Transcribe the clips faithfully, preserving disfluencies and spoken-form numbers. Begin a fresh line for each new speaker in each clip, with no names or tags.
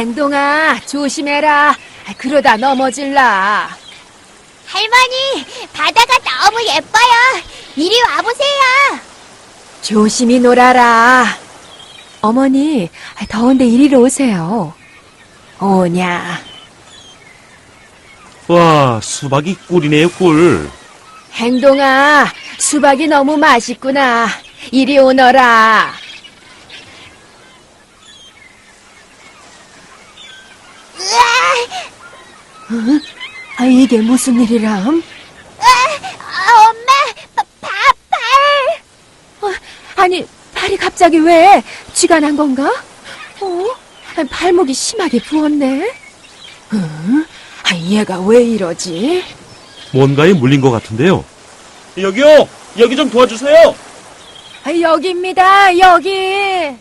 행동아, 조심해라. 그러다 넘어질라.
할머니, 바다가 너무 예뻐요. 이리 와보세요.
조심히 놀아라. 어머니, 더운데 이리로 오세요. 오냐.
와, 수박이 꿀이네요, 꿀.
행동아, 수박이 너무 맛있구나. 이리 오너라.
으아,
어? 아, 이게 무슨 일이람?
아, 엄마, 바, 바, 발.
어, 아니, 발이 갑자기 왜 쥐가 난 건가? 어? 아, 발목이 심하게 부었네. 어? 아, 얘가 왜 이러지?
뭔가에 물린 것 같은데요. 여기요! 여기 좀 도와주세요!
아, 여기입니다, 여기.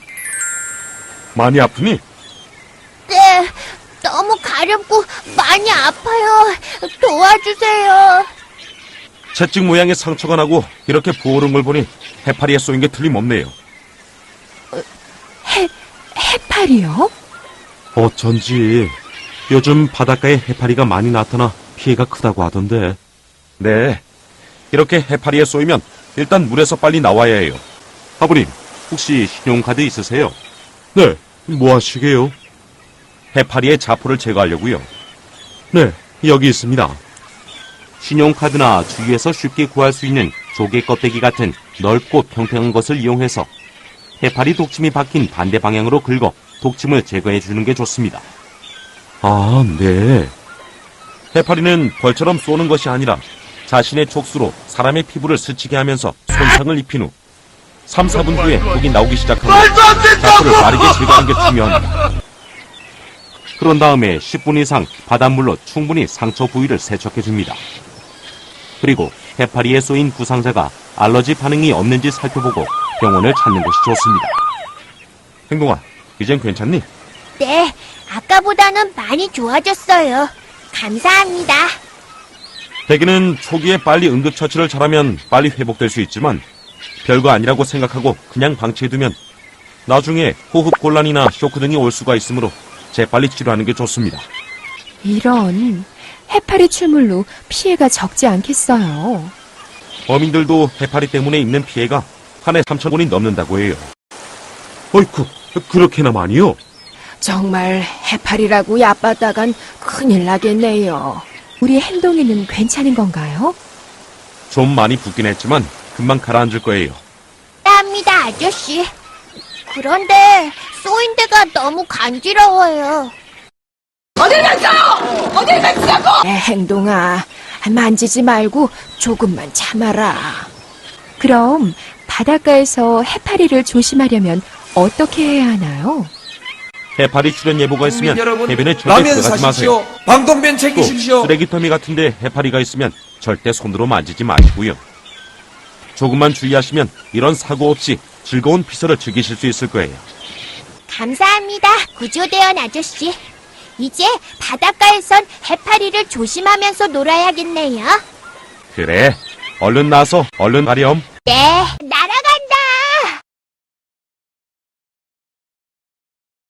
많이 아프니?
네, 너무 가렵고 많이 아파요. 도와주세요.
채찍 모양의 상처가 나고 이렇게 부어오른 걸 보니 해파리에 쏘인 게 틀림없네요.
해, 해파리요?
어쩐지 요즘 바닷가에 해파리가 많이 나타나 피해가 크다고 하던데. 네, 이렇게 해파리에 쏘이면 일단 물에서 빨리 나와야 해요. 아버님, 혹시 신용카드 있으세요? 네, 뭐 하시게요? 해파리의 자포를 제거하려고요. 네, 여기 있습니다. 신용카드나 주위에서 쉽게 구할 수 있는 조개 껍데기 같은 넓고 평평한 것을 이용해서 해파리 독침이 박힌 반대 방향으로 긁어 독침을 제거해 주는 게 좋습니다. 아, 네. 해파리는 벌처럼 쏘는 것이 아니라 자신의 촉수로 사람의 피부를 스치게 하면서 손상을 입힌 후 삼, 사 분 후에 독이 나오기 시작하면 자포를 빠르게 제거하는 게 중요합니다. 그런 다음에 십 분 이상 바닷물로 충분히 상처 부위를 세척해 줍니다. 그리고 해파리에 쏘인 부상자가 알러지 반응이 없는지 살펴보고 병원을 찾는 것이 좋습니다. 행동아, 이젠 괜찮니?
네, 아까보다는 많이 좋아졌어요. 감사합니다.
대개는 초기에 빨리 응급처치를 잘하면 빨리 회복될 수 있지만 별거 아니라고 생각하고 그냥 방치해두면 나중에 호흡곤란이나 쇼크 등이 올 수가 있으므로 재빨리 치료하는 게 좋습니다.
이런, 해파리 출물로 피해가 적지 않겠어요.
어민들도 해파리 때문에 입는 피해가 한 해 삼천 원이 넘는다고 해요. 어이쿠, 그렇게나 많이요?
정말 해파리라고 얕봤다간 큰일 나겠네요. 우리 행동이는 괜찮은 건가요?
좀 많이 붓긴 했지만 금방 가라앉을 거예요.
감사합니다, 아저씨. 그런데 쏘인 데가 너무 간지러워요.
에, 행동아, 만지지 말고 조금만 참아라. 그럼 바닷가에서 해파리를 조심하려면 어떻게 해야 하나요?
해파리 출현 예보가 있으면
국민 여러분,
해변에 절대
라면
들어가지
사십시오.
마세요.
방독면
또
챙기십시오.
쓰레기터미 같은데 해파리가 있으면 절대 손으로 만지지 마시고요. 조금만 주의하시면 이런 사고 없이 즐거운 피서를 즐기실 수 있을 거예요.
감사합니다, 구조대원 아저씨. 이제 바닷가에선 해파리를 조심하면서 놀아야겠네요.
그래, 얼른 나서 얼른 가렴.
네, 날아